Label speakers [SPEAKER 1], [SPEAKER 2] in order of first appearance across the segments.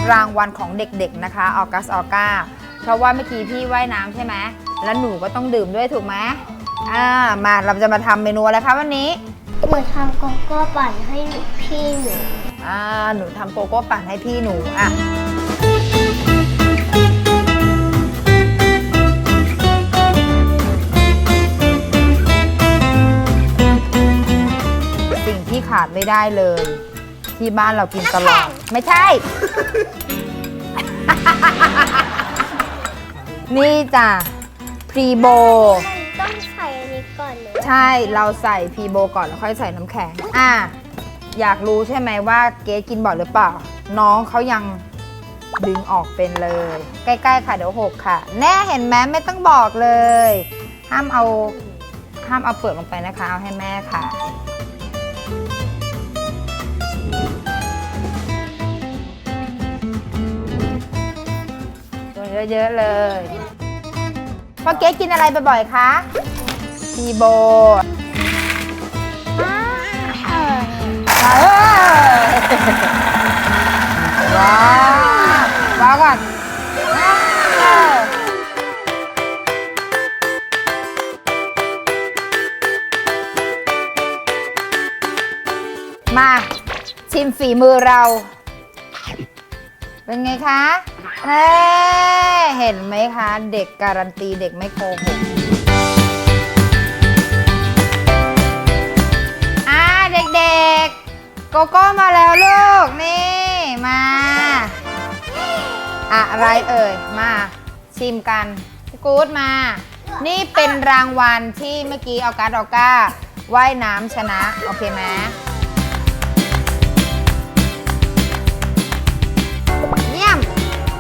[SPEAKER 1] รางวัลของเด็กๆนะคะออกัสออก้าเพราะว่าเมื่อกี้พี่ว่ายน้ำใช่ไหมแล้วหนูก็ต้องดื่มด้วยถูกไหมมาเราจะมาทำเมนูอะไรคะวันนี้
[SPEAKER 2] หนูทำโกโก้ปั่นให้พี่หนู
[SPEAKER 1] หนูทำโกโก้ปั่นให้พี่หนูสิ่งที่ขาดไม่ได้เลยที่บ้านเรากินตลอดไม่ใช่ นี่จ้ะพรีโบ
[SPEAKER 2] ต้องใส่อันนี้ก่อนเลย
[SPEAKER 1] ใช่เราใส่พรีโบก่อนแล้วค่อยใส่น้ำแข็งอยากรู้ใช่ไหมว่าเกสกินบ่อยหรือเปล่าน้องเขายังดึงออกเป็นเลยใกล้ๆค่ะเดี๋ยวหกค่ะแน่เห็นไหมไม่ต้องบอกเลยห้ามเอาเปลือกลงไปนะคะเอาให้แม่ค่ะเยอะๆเลยพ่อเก๊กินอะไรบ่อยๆคะพีโบว้าวก่อนมาชิมฝีมือเราเป็นไงคะเห็นไหมคะเด็กการันตีเด็กไม่โกหกเด็กๆโกโก้มาแล้วลูกนี่มาอะไรเอ่ยมาชิมกันกู๊ดมานี่เป็นรางวัลที่เมื่อกี้ออก้าว่ายน้ำชนะโอเคไหมเยี่ยม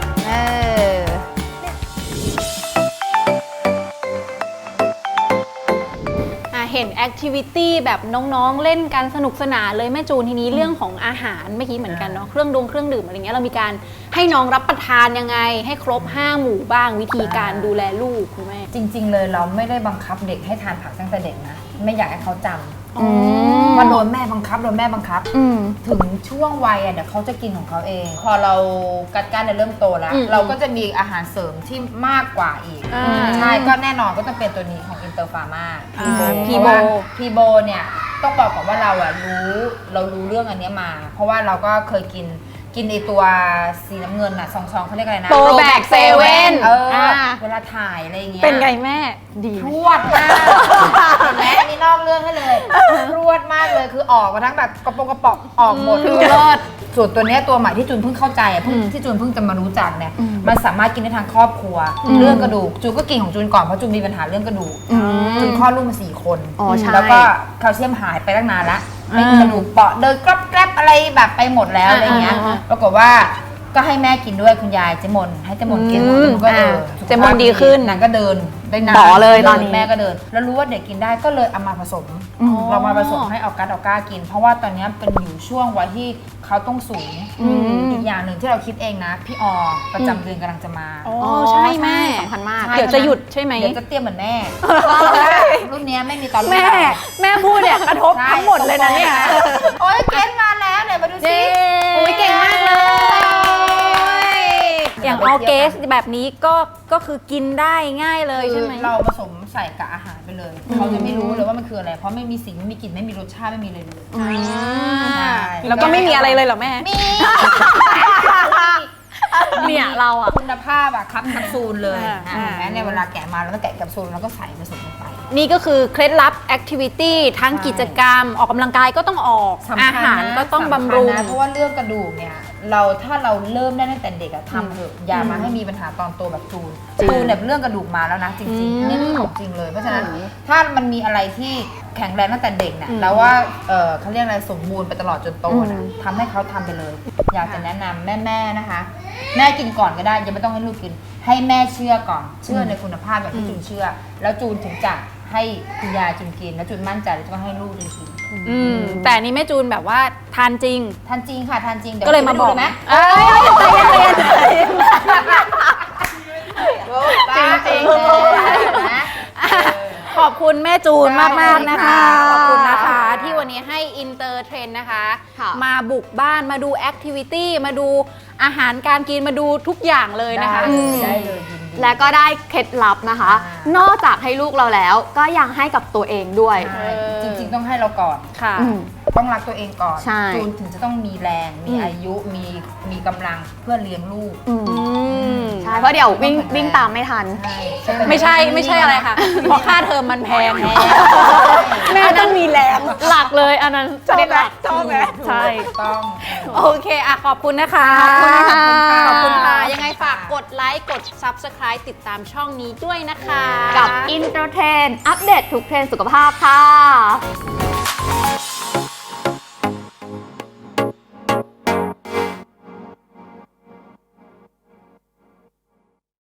[SPEAKER 3] เห็นแอคทิวิตี้แบบน้องๆเล่นกันสนุกสนานเลยแม่จูนทีนี้เรื่องของอาหารเมื่อกี้เหมือนกันเนาะเครื่องดื่มอะไรเงี้ยเรามีการให้น้องรับประทานยังไงให้ครบ5 หมู่บ้างวิธีการดูแลลูกคุณแม่
[SPEAKER 1] จริงๆเลยเราไม่ได้บังคับเด็กให้ทานผักตั้งแต่เด็กนะไม่อยากให้เขาจำว่าโดนแม่บังคับถึงช่วงวัยเดี๋ยวเขาจะกินของเขาเองพอเรากัดกั้นเริ่มโตแล้วเราก็จะมีอาหารเสริมที่มากกว่าอีกใช่ก็แน่นอนก็ต้องเป็นตัวนี้ของอินเตอร์ฟาร์มาพีโบเนี่ยต้องบอกก่อนว่าเรารู้เรื่องอันนี้มาเพราะว่าเราก็เคยกินไอตัวสีน้ำเงินซองเขาเรียกอะไรนะ
[SPEAKER 3] โปรแบคเซเว่น
[SPEAKER 1] เวลาถ่ายอะไรอย่างเงี้ย
[SPEAKER 3] เป็นไงแม่ดี
[SPEAKER 1] รวดมากแม่นี่นอกเรื่องให้เลยรวดมากเลยคือออกมาทั้งแบบกระป๋องออกหมดคือเลิศส่วนตัวนี้ตัวใหม่ที่จูนเพิ่งเข้าใจที่จูนเพิ่งจะมารู้จักเนี่ยมันสามารถกินได้ทั้งครอบครัวเรื่องกระดูกจูนก็กินของจูนก่อนเพราะจูนมีปัญหาเรื่องกระดูกจูนคลอดลูกมา4 คนแล้วก็แคลเซียมหายไปตั้งนานละไม่มีกระดูกเปาะเดินกรอบแกรบอะไรแบบไปหมดแล้วอะไรเงี้ยปรากฏว่าก็ให้แม่กินด้วยคุณยายเจมนให้เจมนกินก็
[SPEAKER 3] เจมนดีขึ้น
[SPEAKER 1] นางก็เดินได้นาน
[SPEAKER 3] เลยตอนนี้
[SPEAKER 1] แม่ก็เดินแล้วรู้ว่าเด็กกินได้ก็เลยเอามาผสมเรามาผสมให้ออก้ากินเพราะว่าตอนนี้เป็นอยู่ช่วงวัยที่เขาต้องสูงอีกอย่างหนึ่งที่เราคิดเองนะพี่ประจำเดือนกำลังจะมา
[SPEAKER 3] ใช่แม่สำคัญมากเดี๋ยวจะหยุดใช่ไหม
[SPEAKER 1] เดี๋ยวจะเตรียมเหมือนแม่รุ่นนี้ไม่มีตอน
[SPEAKER 3] แม่พูดเนี่ยกระทบทั้งหมดเลยนะเนี่ย
[SPEAKER 1] โอ้ยเกณฑ์มาแล้วเนี่ยมาดูสิ
[SPEAKER 3] โอ้ยเก่งมากเลยอย่างออเกสแบบนี้ก็คือกินได้ง่ายเลยใช่ไหม
[SPEAKER 1] เราผสมใส่กับอาหารไปเลยเขาจะไม่รู้เลยว่ามันคืออะไรเพราะไม่มีสีไม่มีกลิ่นไม่มีรสชาติไม่มีเลย
[SPEAKER 3] แล้วก็ไม่มีอะไรเลยเหรอแม่
[SPEAKER 1] มี
[SPEAKER 3] เนี่ยเราอะ
[SPEAKER 1] คุณภาพอะครับแคปซูลเลยแม้ในเวลาแกะมาเราต้องแกะแคปซูลแล้วก็ใส่ผสมลงไป
[SPEAKER 3] นี่ก็คือเคล็ดลับแอคทิวิตี้ทั้งกิจกรรมออกกำลังกายก็ต้องออกอาหารก็ต้องบำรุง
[SPEAKER 1] เพราะว่าเรื่องกระดูกเนี่ยถ้าเราเริ่มได้ตั้งแต่เด็กทำเถอะอย่ามาให้มีปัญหาตอนโตแบบจูนเนี่ยเรื่องกระดูกมาแล้วนะจริงๆนี่ของจริงเลยเพราะฉะนั้นถ้ามันมีอะไรที่แข็งแรงตั้งแต่เด็กเนี่ยแล้วว่าเขาเรียกอะไรสมบูรณ์ไปตลอดจนโตนะทำให้เขาทำไปเลยอยากจะแนะนำแม่นะคะแม่กินก่อนก็ได้ยังไม่ต้องให้ลูกกินให้แม่เชื่อก่อนเชื่อในคุณภาพแบบที่จูนเชื่อแล้วจูนถึงจะให้คุณยายจูนกินแล้วจูนมั่นใจแล้วจะให้ลูกจูนกิน
[SPEAKER 3] แต่นี้แม่จูนแบบว่าทานจริง
[SPEAKER 1] ค่ะทานจริง
[SPEAKER 3] ก็เลยมาบอก
[SPEAKER 1] ไหมจริงนะ
[SPEAKER 3] ขอบคุณแม่จูนมากๆนะคะขอบคุณนะคะที่วันนี้ให้อินเตอร์เทรนนะคะมาบุกบ้านมาดูแอคทิวิตี้มาดูอาหารการกินมาดูทุกอย่างเลยนะคะ
[SPEAKER 1] ได้เลยยินดี
[SPEAKER 4] และก็ได้เคล็ดลับนะคะ นอกจากให้ลูกเราแล้วก็ยังให้กับตัวเองด้วย
[SPEAKER 1] ใช่จริงๆต้องให้เราก่อน
[SPEAKER 3] ค่ะ
[SPEAKER 4] อืม
[SPEAKER 1] ต้องรักตัวเองก่อน
[SPEAKER 4] ใช่
[SPEAKER 1] จูนถึงจะต้องมีแรง มีอายุ มีกำลังเพื่อเลี้ยงลูก
[SPEAKER 4] อืม
[SPEAKER 3] อืม
[SPEAKER 4] ใช่เพราะเดี๋ยววิ่งตามไม่ทัน
[SPEAKER 1] ใช่
[SPEAKER 3] ไม่ใช่อะไรค่ะ เพราะค่าเทอมมันแพงไง
[SPEAKER 4] แม่ต้องมีแรงหลักเลยอันนั้นประเด็นหลัก
[SPEAKER 3] ชอบไหม
[SPEAKER 4] ใช่
[SPEAKER 1] ถูกต้อง
[SPEAKER 3] โอเคอ่ะขอบคุณนะคะ
[SPEAKER 4] ขอบคุณค่ะ
[SPEAKER 3] ขอบคุณค่ะ ยังไงฝากกดไลค์ กด Subscribe ติดตามช่องนี้ด้วยนะคะ
[SPEAKER 4] กับอินเตอร์เทนอัปเดตทุกเทรนด์สุขภาพค่ะ